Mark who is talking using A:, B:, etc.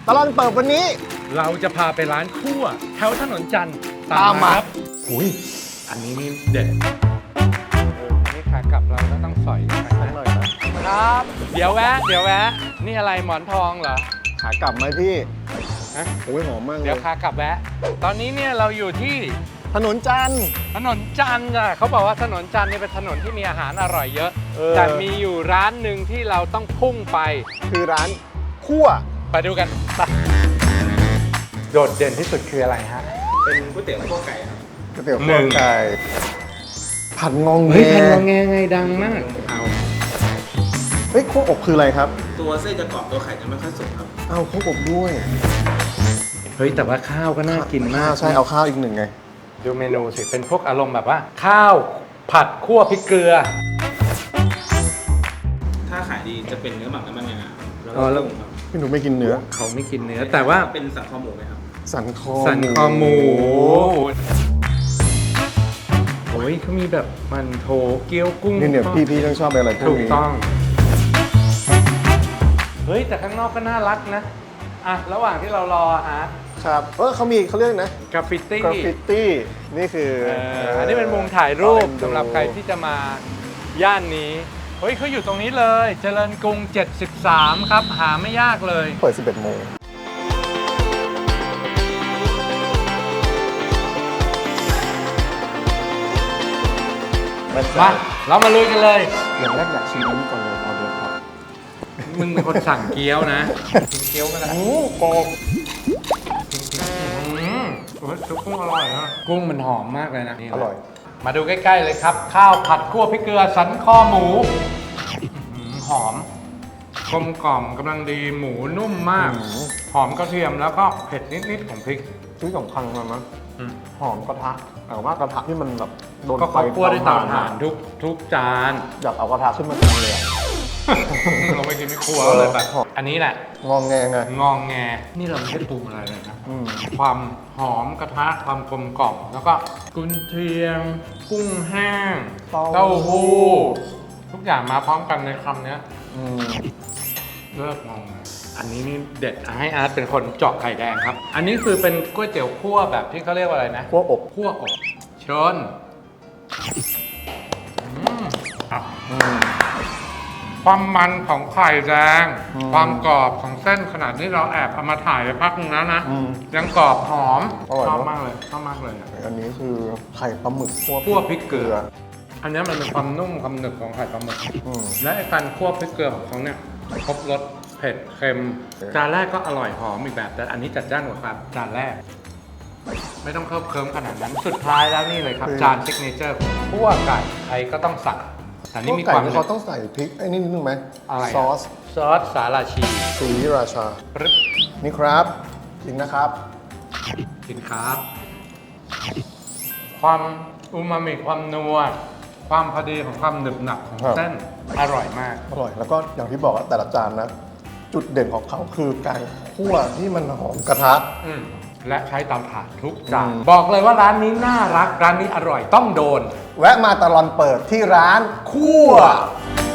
A: ตลอดเปิดวันนี้
B: เราจะพาไปร้านคั่วแถวถนนจันทร์
A: ตามมา
B: ครับ
A: อุ้ย
B: อันนี้นี่เด็ดอันนี้ขากลับเราก็ต้องสอยไป
A: สัก
B: นะ
A: หน่อยนะครับ
B: เดี๋ยวแวะ นี่อะไรหมอนทองเหรอ
A: ขากลับไหมพี่
B: ฮะ
A: โอ้ยหอมมากเล
B: เดี๋ยวย ขากลับแวะ ตอนนี้เนี่ยเราอยู่ที่
A: ถนนจันทร์
B: ถนนจันทร์อ่ะเขาบอกว่าถนนจันทร์นี่เป็นถนนที่มีอาหารอร่อยเยอะ
A: เออ
B: แต่มีอยู่ร้านหนึ่งที่เราต้องพุ่งไป
A: คือร้านคั่ว
B: ไปดูกันไปโดดเด่นที่สุดคืออะไรฮะ
C: เป็นก๋วยเตี๋ยวคั่วไก่ครับ
A: ก๋วยเตี๋ยว
B: ห
A: คั่
B: นึ่
A: ว
B: ง
A: ไก่ผัดงองแง
B: เฮ้ยพันงอแงไงดังมากเอา
A: เฮ้ยคั่วอบคืออะไรครับ
C: ตัวเส้นจะกรอบตัวไข่จะไม่ค่อยสุกครับ
A: อ้าวคั่วอบด้วย
B: เฮ้ยแต่ว่าข้าวก็น่ากินมาก
A: ใช่เอาข้าวอีกหนึ่งไง
B: ดูเมนูสิเป็นพวกอารมณ์แบบว่า ข้าวผัดคั่วพริกเกลือ
C: ถ้าขายดีจะเป็นเนื้อหมักน้ำมันงาแล้ว
B: อ๋
C: ก็
B: อแล้ว
C: กุ้งครับ
A: พี่หนูไม่กินเนื้อ
B: เขาไม่กินเนื้อแต่ว่า
C: เป็นสันคอหมูไหมครับ
A: สันคอ
B: สันคอหมูโอ้ยเขามีแบบมันโถเกี๊ยวกุ้ง
A: เนี่ยพี่ต้องชอบอะไรพว
B: ถู
A: ก
B: ก
A: นี้
B: ต้องเฮ้ยแต่ข้างนอกก็น่ารักนะอ่ะระหว่างที่เรารอฮะ
A: ครับเขาเรียกนะ
B: กราฟฟิตี้
A: กราฟฟิตี้นี่คือ
B: อันนี้เป็นมุมถ่ายรูป
A: เอาเอ็นดู
B: สำหรับใครที่จะมาย่านนี้เฮ้ยเขาอยู่ตรงนี้เลยเจริญกรุง 73 ครับ หาไม่ยากเลย
A: เปิด 11 โมง
B: มาเรามาลุยกันเลย
A: อย่างแรกอยากชิมอันนี้ก่อนเลยออเดอร์ครับ
B: มึงเป็นคนสั่งเกี๊ยวนะกินเกี๊ยวก็ได้
A: โอ้กรอบ
B: โอ้ยซุปกุ้งอร่อยนะกุ้งมันหอมมากเลยนะนี่
A: อร่อย
B: มาดูใกล้ๆเลยครับ ข้าวผัดคั่วพริกเกลือสันคอหมูหอมกลมกล่อมกำลังดีหมูนุ่มมาก หอมกระเทียมแล้วก็เผ็ดนิดๆของพริก
A: ที่สำคัญมันนะ
B: อืม
A: หอมกระทะแต่ว่ากระทะที่มันแบบโดน
B: ก็
A: ไฟ
B: เขาคั่วด้วยเตาถ่านทุกจาน
A: อยากเอากระทะขึ้นมากินเลยอะ
B: เราไปกินไม่ครัวเลยแบบอันนี้แหละ
A: งองแงไง
B: งองแงนี่เราไม่ได้ปรุงอะไรเลยนะ
A: อืม
B: ความหอมกระทะความกลมกล่อมแล้วก็กุนเชียง กุ้งแห้งเต้าหู้ทุกอย่างมาพร้อมกันในคำเนี้ย
A: อืม
B: เลิกงงอันนี้นี่เด็ดให้อาร์ตเป็นคนเจาะไข่แดงครับ อันนี้คือเป็นก๋วยเตี๋ยวคั่วแบบที่เขาเรียกว่าอะไรนะ
A: คั่วอบ
B: คั่วอบชนอ่ะ
A: อืม
B: ความมันของไข่แดง
A: อืม
B: ความกรอบของเส้นขนาดนี้เราแอบเอามาถ่ายไปพักนึงแล้วนะ
A: อืม
B: ยังกรอบหอม
A: อร่อย
B: ชอบ
A: เนอะ
B: มากเลยชอบมากเลยอะ
A: อันนี้คือไข่ปลาหมึก
B: คั่วพริกเกลือ อันนี้มันเป็นความนุ่มความหนึบของไข่ปลาหมึก
A: อืม
B: และไอ้การคั่วพริกเกลือของเขาเนี่ยครบรสเผ็ดเค็ม จานแรกก็อร่อยหอมอีกแบบ แต่อันนี้จัดจ้านกว่าจานแรก ไม่ต้องเคิมขนาดนั้นสุดท้ายแล้วนี่เลยครับ จานซิกเนเจอร์คั่วไก่ใครก็ต้องสั่งแต่นี่มี
A: ไก่
B: ความ
A: นี่เขาต้องใส่พริกไอ้นี่นิดนึงไหม
B: อะไรอะ
A: ซอส
B: ซอสสาลาชี
A: สีราชา
B: ปึ๊บ
A: นี่ครับจริงนะครับ
B: กินครับ ความอูมามิความนัวความพอดีของความหนึบหนับของ
A: ครับ
B: เส้นอร่อยมาก
A: อร่อยแล้วก็อย่างที่บอกอะแต่ละจานนะ จุดเด่นของเขาคือการคั่วที่มันหอมกระทะ
B: และใช้เตาถ่านทุกจาน
A: อืม
B: บอกเลยว่าร้านนี้น่ารัก ร้านนี้อร่อยต้องโดน
A: แวะมาตลอดเปิดที่ร้านคั่ว